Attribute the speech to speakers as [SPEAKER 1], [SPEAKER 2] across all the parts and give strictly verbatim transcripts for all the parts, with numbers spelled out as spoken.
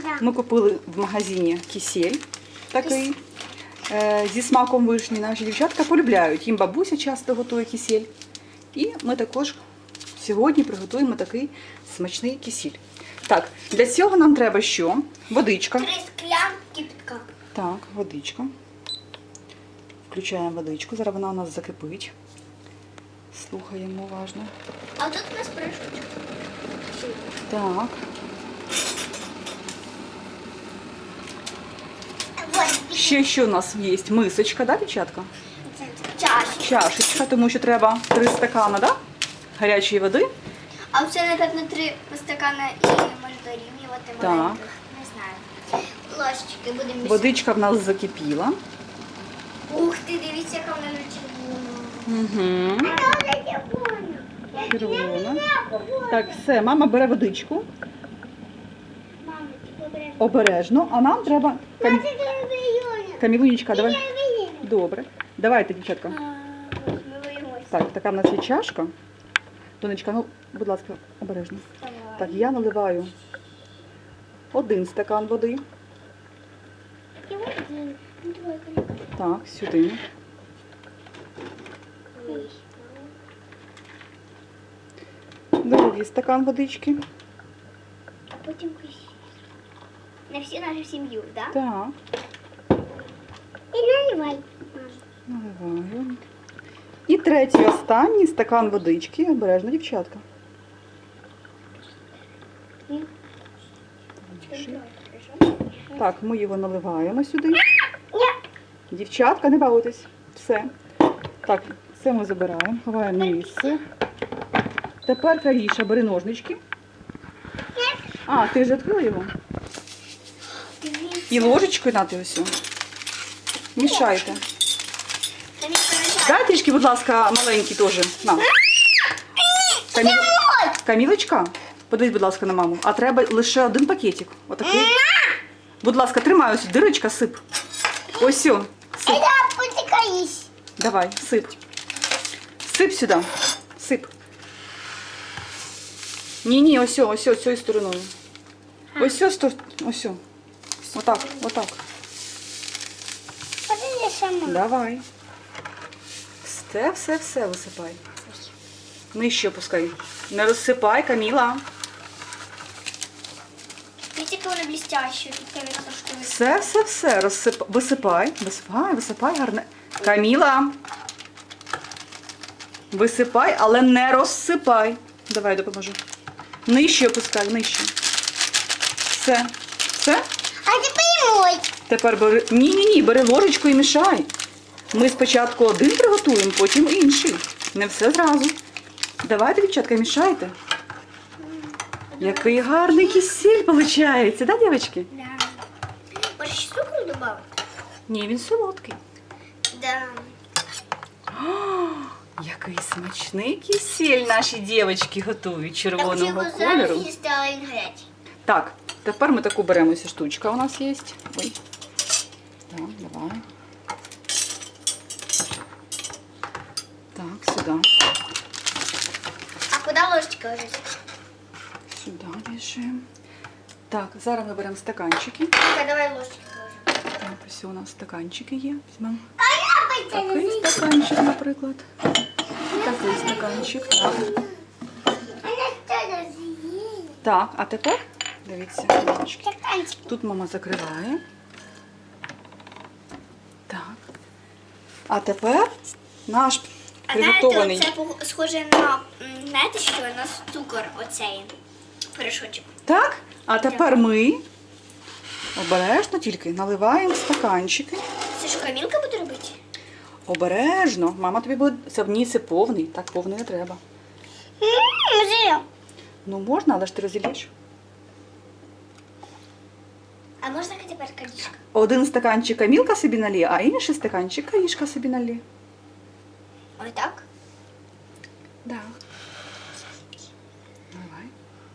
[SPEAKER 1] Да.
[SPEAKER 2] Ми купили в магазині кисель такий е, зі смаком вишні. Наші дівчатка полюбляють. Їм бабуся часто готує кисель. І ми також сьогодні приготуємо такий смачний кисель. Так, для цього нам треба що? Водичка.
[SPEAKER 1] Три склянки кипятка.
[SPEAKER 2] Так, водичка. Включаємо водичку. Зараз вона у нас закипить. Слухаємо уважно.
[SPEAKER 1] А тут у нас порошочок.
[SPEAKER 2] Так.
[SPEAKER 1] Вот.
[SPEAKER 2] Ще що у нас є? Мисочка, да, дівчатка?
[SPEAKER 1] Чашечка.
[SPEAKER 2] Чашечка, тому що треба три стакана, да? Гарячої води.
[SPEAKER 1] А це, напевно, три стакана і може дорівнювати
[SPEAKER 2] Так.
[SPEAKER 1] маленьких. Не знаю. Ложечки будемо мішати.
[SPEAKER 2] Водичка в нас закипіла.
[SPEAKER 1] Ух ти, дивіться, яка вона червона.
[SPEAKER 2] Угу. Червона. Так, все, мама бере водичку.
[SPEAKER 1] Мама, ти побереш.
[SPEAKER 2] Обережно. А нам треба... Кам... Камілунечка, давай.
[SPEAKER 1] Ми
[SPEAKER 2] Добре. Давайте, дівчатка.
[SPEAKER 1] боїмося.
[SPEAKER 2] Так, така в нас є чашка. Донечка, ну, будь ласка, обережно. Так, я наливаю один стакан води.
[SPEAKER 1] І один. Двойка.
[SPEAKER 2] Так, сюди. Другий стакан водички.
[SPEAKER 1] А потім на всю нашу сім'ю, так?
[SPEAKER 2] Так,
[SPEAKER 1] І наливай.
[SPEAKER 2] наливаю. І третій, останній стакан водички. Обережно, дівчатка. Так, ми його наливаємо сюди. Дівчатка, не бавитесь. Все. Так, це ми забираємо, ховаємо на місце. Тепер, Каріша, бери ножнички. А, ти вже відкрила його? І ложечкою на ти ось. Мішайте. Дай трішки, будь ласка, маленький теж. На. Камі... Камілочка, подивись, будь ласка, на маму. А треба лише один пакетик. Отакий. Будь ласка, тримай ось, дирочка, сип. Ось сю. Сип.
[SPEAKER 1] потікаєш.
[SPEAKER 2] Давай, сип. Сип сюди. Сип. Ні-ні, ось, ось, ось, цією стороною. Ось, ось, ось, ось. Отак, отак.
[SPEAKER 1] Подивись сама.
[SPEAKER 2] Давай. Все, все, все висипай. Нижче опускай. Не розсипай, Каміла.
[SPEAKER 1] Видите, яка вона блестяща. Тут камера трошки висить.
[SPEAKER 2] Все, все, все. Розсип... Висипай. Висипай, висипай гарне. Каміла. Висипай, але не розсипай. Давай, допоможу. Нижче опускай, нижче. Все. Все?
[SPEAKER 1] А тепер мой.
[SPEAKER 2] Тепер бери. Ні-ні-ні, бери ложечку і мішай. Ми спочатку один приготуємо, потім інший. Не все зразу. Давайте, дівчатка, мішайте. Який гарний кисель виходить, да, дівчатки?
[SPEAKER 1] Да. Може ще цукру додати?
[SPEAKER 2] Ні, він солодкий.
[SPEAKER 1] Да.
[SPEAKER 2] О, який смачний кисель наші дівчатки готують червоного кольору.
[SPEAKER 1] їсти, але він гарячий.
[SPEAKER 2] Так, тепер ми таку беремо, ось штучка у нас є. Ой. Так, давай. Так, сюди.
[SPEAKER 1] А куди ложечка ложить?
[SPEAKER 2] Сюди біжимо. Так, зараз ми беремо стаканчики.
[SPEAKER 1] Ну-ка, давай ложечку ложимо.
[SPEAKER 2] Так, ось у нас стаканчики є. Візьмемо
[SPEAKER 1] А я
[SPEAKER 2] такий стаканчик, наприклад. Такий стаканчик. Так.
[SPEAKER 1] Вона теж з'їла.
[SPEAKER 2] Так, а тепер, дивіться, мамочки.
[SPEAKER 1] Стаканчик.
[SPEAKER 2] Тут мама закриває. Так. А тепер наш
[SPEAKER 1] А
[SPEAKER 2] приготований.
[SPEAKER 1] знаєте, це пох- схоже на, м, знаєте що, на цукор оцей порошочок.
[SPEAKER 2] Так, а тепер ми обережно тільки наливаємо стаканчики.
[SPEAKER 1] Це що, Камілка буде робити?
[SPEAKER 2] Обережно. Мама тобі буде. Це в ній це повний. Так повний не треба.
[SPEAKER 1] Може.
[SPEAKER 2] Ну можна, але ж ти розілєш.
[SPEAKER 1] А можна тепер Карішка?
[SPEAKER 2] Один стаканчик Камілка собі налє, а інший стаканчик Карішка собі налє.
[SPEAKER 1] Ось так?
[SPEAKER 2] Да. Давай.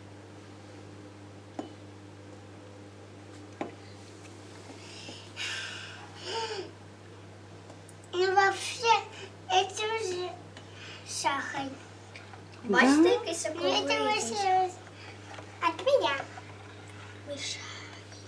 [SPEAKER 1] Ну, вообще, это уже сахар. Бачите,
[SPEAKER 2] Да.
[SPEAKER 1] який соковитий? От меня. Мішай.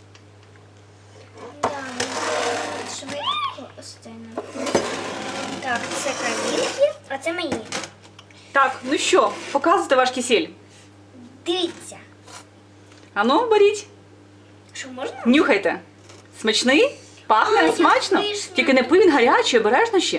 [SPEAKER 1] Так, це камінки, а це мені.
[SPEAKER 2] Так, ну що, показуйте ваш кисель.
[SPEAKER 1] Дивіться.
[SPEAKER 2] Ану, беріть,
[SPEAKER 1] Що можна?
[SPEAKER 2] нюхайте. Смачний? Пахне
[SPEAKER 1] А, як
[SPEAKER 2] смачно?
[SPEAKER 1] пишно.
[SPEAKER 2] Тільки не пий, він гарячий, обережно ще.